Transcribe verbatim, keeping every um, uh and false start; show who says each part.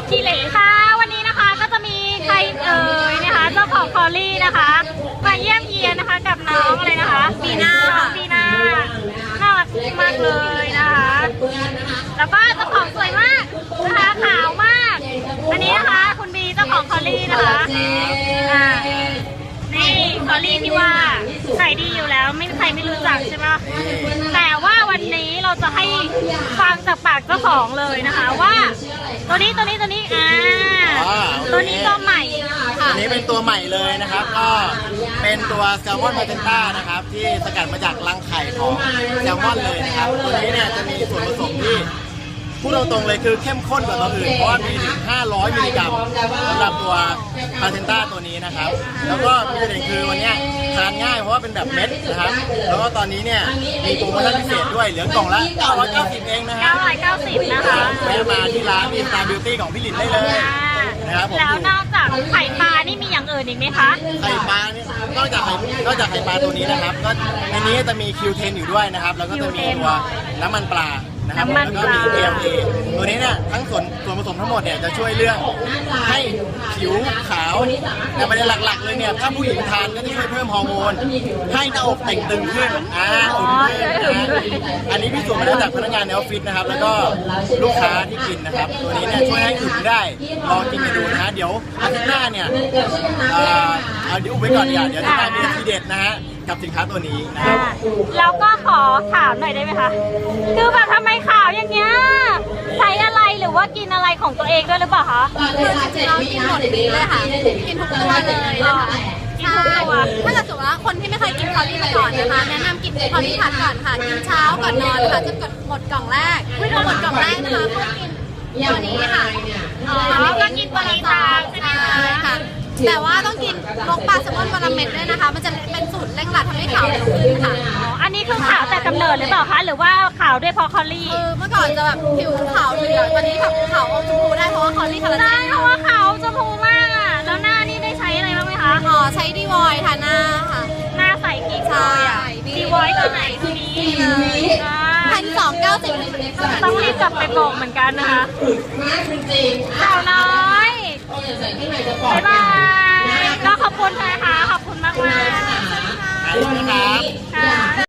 Speaker 1: ขี้เหร่ค่ะวันนี้นะคะก็จะมีใครเอ่ยนะคะเจ้าของคอลลี่นะคะมาเยี่ยมเยียนนะคะกับน้องอะไรนะคะบีน่าบีน่าน่ารักมากเลยนะคะแล้วก็เจ้าของสวยมากนะคะขาวมากอันนี้นะคะคุณบีเจ้าของคอลลี่นะคะอ่านี่คอลลี่ที่ว่าขายดีอยู่แล้วไม่มีใครไม่รู้จักใช่ไหมแต่ว่าวันนี้เราจะให้ฟังจากปากเจ้าของเลยนะคะว่าตัวนี้ตัวนี้ตัวนี้อ่าตัวนี้ตัวใหม่
Speaker 2: ตัวนี้เป็นตัวใหม่เลยนะครับก็เป็นตัวแซลมอนมาเทนต้านะครับที่สกัดมาจากรังไข่ของแซลมอนเลยนะครับตัวนี้เนี่ยจะมีส่วนผสมที่พูดตรงๆเลยคือเข้มข้นกว่าตัวอื่นเพราะว่ามีถึงห้าร้อยมิลลิกรัมสำหรับตัวมาเทนต้าตัวนี้นะครับแล้วก็มีประเด็นคือวันนี้ทานง่ายเพราะว่าเป็นแบบเม็ดนะครับแล้วก็ตอนนี้เนี่ยมีโปรโมชั่นพิเศษด้วยเหลือกล่องละเก้าร้อยเก้าสิบเองนะฮะ
Speaker 1: เก้าร้อยเก้าสิบนะคะ
Speaker 2: แวะมาที่ร้านมีสตาร์บิวตี้ของพี่หลินได้เลยนะครับผม
Speaker 1: แล้วนอกจากไข่ปลานี่มีอย่างอื่นอีกไหมคะ
Speaker 2: ไข่ปลานี่นอกจากไข่นอกจากไข่ปลาตัวนี้นะครับก็ในนี้จะมี คิว เท็น อยู่ด้วยนะครับแล้วก็จะมีตัวน้ำมันปลานะครับแล้วก็มี เอ เอ็ม เอ ตัวนี้เนี่ยทั้งส่วนส่วนผสมทั้งหมดเนี่ยจะช่วยเรื่องให้ผิวขาวแต่ประเด็นหลักๆเลยเนี่ยถ้าผู้หญิงทานก็จะช่วยเพิ่มฮอร์โมนให้หน้าอกแต่งตึงขึ้นอ่าอุ่นขึ้นนะอันนี้พิสูจน์มาแล้วจากพนักงานในออฟฟิศนะครับแล้วก็ลูกค้าที่กินนะครับตัวนี้เนี่ยช่วยให้อุ่นได้ลองกินไปดูนะฮะเดี๋ยวอาทิตย์หน้าเนี่ยเอาเดี๋ยวอุบไว้ก่อนดีกว่าเดี๋ยวจะมามีทีเด็ดนะฮะกับสินค้าตัวนี้นะครับ
Speaker 1: แล้วก็ขอถามหน่อยได้ไหมคะคือแบบทำไมขาวอย่างเงี้ยใช้อะไรหรือว่ากินอะไรของตัวเองด้วยหรือเปล่าคะ
Speaker 3: คือจริงๆเรากินหมดเลยค่ะกินทุกตัวเลยนะคะ
Speaker 1: กินทุกตัว
Speaker 3: ถ้าเกิดสมมติว่าคนที่ไม่เคยกินคอลลี่มาก่อนนะคะแนะนำกินคอลลี่ทัดก่อนค่ะกินเช้าก่อนนอนค่ะจนหมดกล่องแรกพอหมดกล่องแรกนะคะก็กินตัวนี้ค่ะ
Speaker 1: อ๋อก็กินตัวนี้ตามใช่ไหม
Speaker 3: คะแต่ว่าต้องกินลงปลาแซลมอนวันละเม็ดด้วยนะคะมันจะเป็นสูตรเร่งรัดทำให้ขาวเร็วขึ้นค่ะ
Speaker 1: อันนี้คือขาวแต่กำเนิดหรือเปล่าคะหรือว่าขาวด้วยเพราะคอลลี่
Speaker 3: คือเมื่อก่อนจะแบบผิวขาวเหลืองตอนนี้แบบขาวอมชมพูได้เพราะว่าคอลลี่คอลลาเจน
Speaker 1: เพราะว่าขาวชมพูมากอ่ะแล้วหน้านี่ได้ใช้อะไรบ้างไหมคะ
Speaker 3: อ๋อใช้ดีวอยทาหน้าค่ะ
Speaker 1: หน้าใสกิ๊กเลยอ่ะดีวอยตัวไหนตัวนี้
Speaker 3: พันสองเก้าสิบ
Speaker 1: ต้องรีบกลับไปบอกเหมือนกันนะคะสาวน้อยบ๊ายบายก็ขอบคุณนะคะขอบคุณมากมาก
Speaker 2: ครับ